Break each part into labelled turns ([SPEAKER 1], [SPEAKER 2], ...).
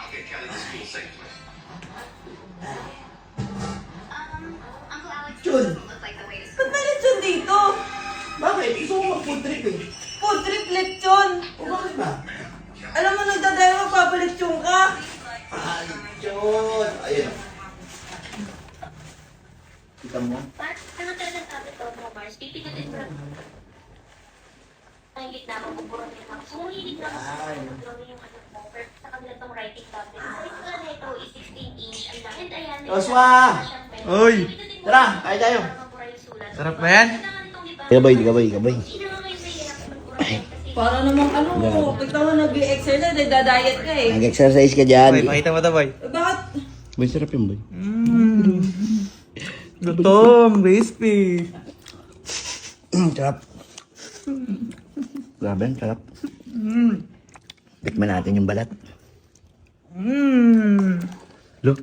[SPEAKER 1] Chun!
[SPEAKER 2] Ba't may lechon dito?
[SPEAKER 1] Bakit? Gusto ko mag-food trip eh.
[SPEAKER 2] Food trip lechon.
[SPEAKER 1] O bakit ba?
[SPEAKER 2] Alam mo, nagdadayo magpapalechon ka.
[SPEAKER 1] Ah, Chun! Ayun. Kita mo?
[SPEAKER 3] Ano talagang sabi to mo, Mars? Pipindutin mo lang. Ang gitna mo, buburon din ako. So, hilig na ako yung ano mo. Pero sa kanila tong writing tablet. Sa ito na ito is 16-inch. Ang laki. And ayan,
[SPEAKER 1] Joshua!
[SPEAKER 4] Oy!
[SPEAKER 1] Tara, kaya tayo.
[SPEAKER 4] Sarap ba yan?
[SPEAKER 1] Gabay.
[SPEAKER 2] Para namang ano, ikaw mo nag-exercise, nagda-diet ka eh.
[SPEAKER 1] Nag-exercise ka dyan.
[SPEAKER 4] Boy, pakita mo ito, boy.
[SPEAKER 2] Bakit?
[SPEAKER 1] Boy, sarap yun, boy.
[SPEAKER 4] Gutom, crispy.
[SPEAKER 1] Sarap. Grabe, sarap. Tikman natin yung balat. Look.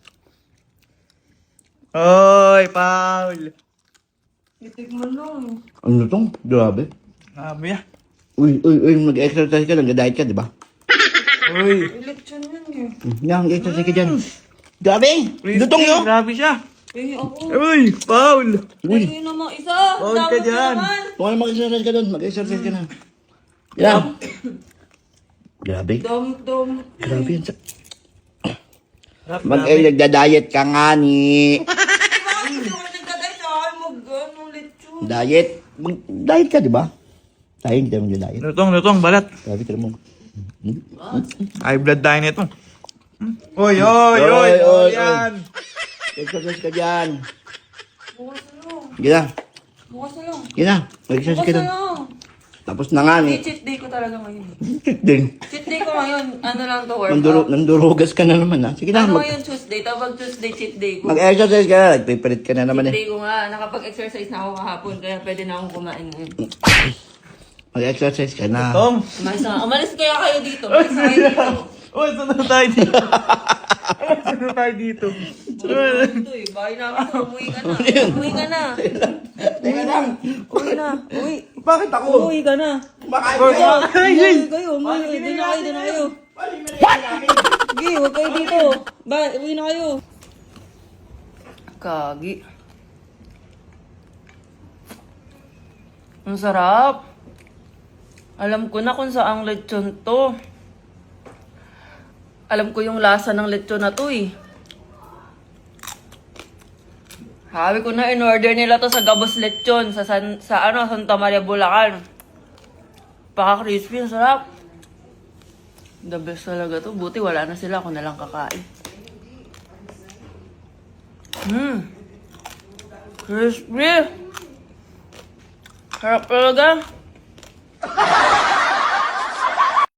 [SPEAKER 4] Oy, Paul.
[SPEAKER 2] Itik mo lang.
[SPEAKER 1] Ano tong? Grabe.
[SPEAKER 4] Grabe ah.
[SPEAKER 1] Uy, nag-exercise ka, nag-diet ka, di ba?
[SPEAKER 4] Uy.
[SPEAKER 2] Lechon yun eh.
[SPEAKER 1] Yan, nag-exercise ka dyan. Grabe! Lutong yun!
[SPEAKER 4] Grabe siya.
[SPEAKER 2] Eh, ako.
[SPEAKER 4] Uy, Paul.
[SPEAKER 1] Uy,
[SPEAKER 2] Ayun naman isa.
[SPEAKER 4] Bawal ka
[SPEAKER 2] Dapat
[SPEAKER 4] dyan.
[SPEAKER 2] naman.
[SPEAKER 1] kung ano mag-exercise ka doon, mag-exercise ka na. Yan. Grabe.
[SPEAKER 2] Dami.
[SPEAKER 1] Grabe yan.
[SPEAKER 4] Sarap,
[SPEAKER 1] Nagda-diet ka nga ni.
[SPEAKER 2] Bakit hindi ko nagdadiet? Ay, mag-ano, lechon.
[SPEAKER 1] Diet? Diet ka, di ba? Tayo, hindi tayo mag-diet.
[SPEAKER 4] Lutong, balat.
[SPEAKER 1] Grabe ka naman.
[SPEAKER 4] High blood tayo nito. Uy, yan.
[SPEAKER 1] Exercise ka dyan.
[SPEAKER 2] Bukas na lang.
[SPEAKER 1] Sige na.
[SPEAKER 2] Bukas na lang.
[SPEAKER 1] Sige na. Mag-exercise
[SPEAKER 2] Bukas
[SPEAKER 1] ka
[SPEAKER 2] na
[SPEAKER 1] doon.
[SPEAKER 2] lang.
[SPEAKER 1] Tapos na nga ni.
[SPEAKER 2] Cheat day ko talaga ngayon.
[SPEAKER 1] Din.
[SPEAKER 2] Cheat day ko ngayon. Ano lang to, workout.
[SPEAKER 1] Nandurugas ka na naman ha. Sige na.
[SPEAKER 2] Ano ngayon Tuesday? Tawag Tuesday, cheat day ko.
[SPEAKER 1] Mag-exercise ka na. Nagpipilit ka na naman
[SPEAKER 2] Cheat
[SPEAKER 1] eh.
[SPEAKER 2] day ko nga. Nakapag-exercise na ako kahapon. Kaya pwede na akong kumain ngayon.
[SPEAKER 1] Mag-exercise ka na.
[SPEAKER 4] Tom.
[SPEAKER 2] Umalis kaya kayo dito. Umalis kayo dito.
[SPEAKER 4] Uy, sunod tayo dito. Sunod tayo dito.
[SPEAKER 2] Ito eh. Bahay namin to. Umuwi ka na. Umuwi ka na.
[SPEAKER 1] Teka lang.
[SPEAKER 2] Uwi na. Uwi.
[SPEAKER 1] Bakit ako?
[SPEAKER 2] Umuwi ka na.
[SPEAKER 1] Bakain
[SPEAKER 4] Ay,
[SPEAKER 1] ka.
[SPEAKER 2] Umuwi kayo. Umuwi. Doon na kayo. Sige, huwag kayo dito. Uwi na kayo. Kagi. Ang sarap. Alam ko na kung saang lechon to. Alam ko yung lasa ng lechon na to eh. Sabi ko na in-order nila to sa Gabos Lechon sa Santa Maria, Bulacan. Paka-crispy, ang sarap. The best talaga to. Buti wala na sila, ako na lang kakain. Crispy. Sarap talaga.